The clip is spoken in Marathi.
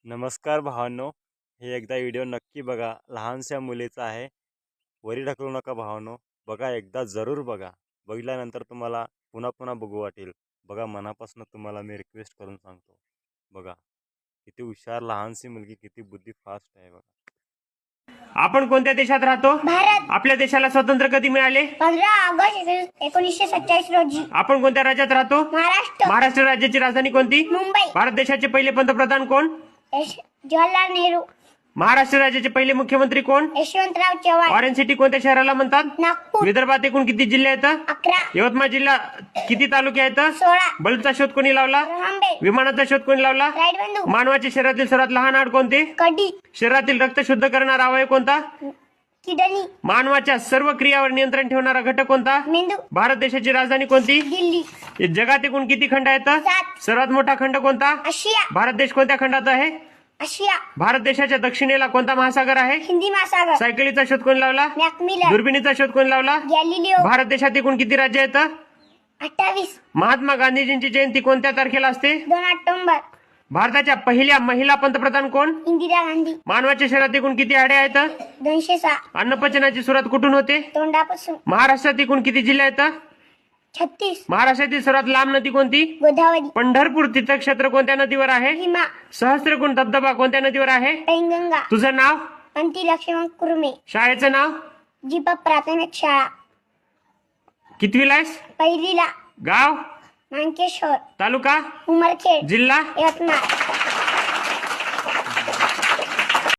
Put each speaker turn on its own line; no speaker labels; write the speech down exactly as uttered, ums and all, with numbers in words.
नमस्कार भावांनो, हे एकदा व्हिडिओ नक्की बघा. लहानशा मुलीचा आहे. वरी ढकलू नका भावांनो. बघा, एकदा जरूर बघा. बघितल्यानंतर तुम्हाला पुन्हा पुन्हा बघू वाटेल. बघा, मनापासून तुम्हाला मी रिक्वेस्ट करून सांगतो. बघा, किती हुशार लहानशी मुलगी, किती बुद्धी फास्ट आहे बघा.
आपण कोणत्या देशात राहतो?
भारत.
आपल्या देशाला स्वातंत्र्य कधी मिळाले?
पंधरा ऑगस्ट एकोणीसशे सत्तावीस रोजी.
आपण कोणत्या राज्यात राहतो?
महाराष्ट्र.
महाराष्ट्र राज्याची राजधानी कोणती?
मुंबई.
भारत देशाचे पहिले पंतप्रधान कोण?
यश- जवाहरलाल नेहरू.
महाराष्ट्र राज्याचे पहिले मुख्यमंत्री कोण?
यशवंतराव चव्हाण.
ऑरेंज सिटी कोणत्या शहराला म्हणतात?
नागपूर.
विदर्भात एकूण किती जिल्हे आहेत?
अकरा.
यवतमाळ जिल्हा किती तालुके आहेत?
सोळा.
बल्बचा शोध कोणी लावला?
रहांबे.
विमानाचा शोध कोणी लावला?
राईट
मानवाच्या शरीरातील सर्वात लहान हाड कोणते?
कडी.
शरीरातील रक्त शुद्ध करणारा अवयव कोणता?
किडनी.
मानवाच्या सर्व क्रियावर नियंत्रण ठेवणारा घटक कोणता?
मेंदू.
भारत देशाची राजधानी कोणती?
दिल्ली.
जगात एकूण किती खंड आहेत?
सात.
सर्वात मोठा खंड कोणता?
आशिया.
भारत देश कोणत्या खंडात आहे?
आशिया.
भारत देशाच्या दक्षिणेला कोणता महासागर आहे?
हिंदी महासागर.
सायकलीचा शोध कोणी लावला?
मॅकमिलर.
दुर्बिणीचा शोध कोणी लावला?
गॅलिलिओ.
भारत देशात एकूण किती राज्य आहेत?
अठ्ठावीस.
महात्मा गांधीजींची जयंती कोणत्या तारखेला असते?
दोन ऑक्टोबर.
भारताच्या पहिल्या महिला पंतप्रधान कोण?
इंदिरा गांधी.
मानवाच्या शरीरात एकूण किती हाडे आहेत?
दोनशे सहा.
अन्नपचनाची सुरुवात कुठून होते?
तोंडापासून.
महाराष्ट्रात एकूण किती जिल्हे आहेत?
छत्तीस.
महाराष्ट्रातील सर्वात लांब नदी कोणती?
गोदावरी.
पंढरपूर तीर्थक्षेत्र कोणत्या नदीवर आहे?
भीमा.
सहस्त्रकुंड धबधबा कोणत्या नदीवर आहे?
पैनगंगा.
तुझं नाव?
अंती लक्ष्मण कुर्मे.
शाळेचं नाव?
जीपा प्राथमिक शाळा.
कितवीला आहेस?
पहिलीला.
गाव?
मांकेश्वर.
तालुका?
उमरखेड.
जिल्हा?
यवतमाळ.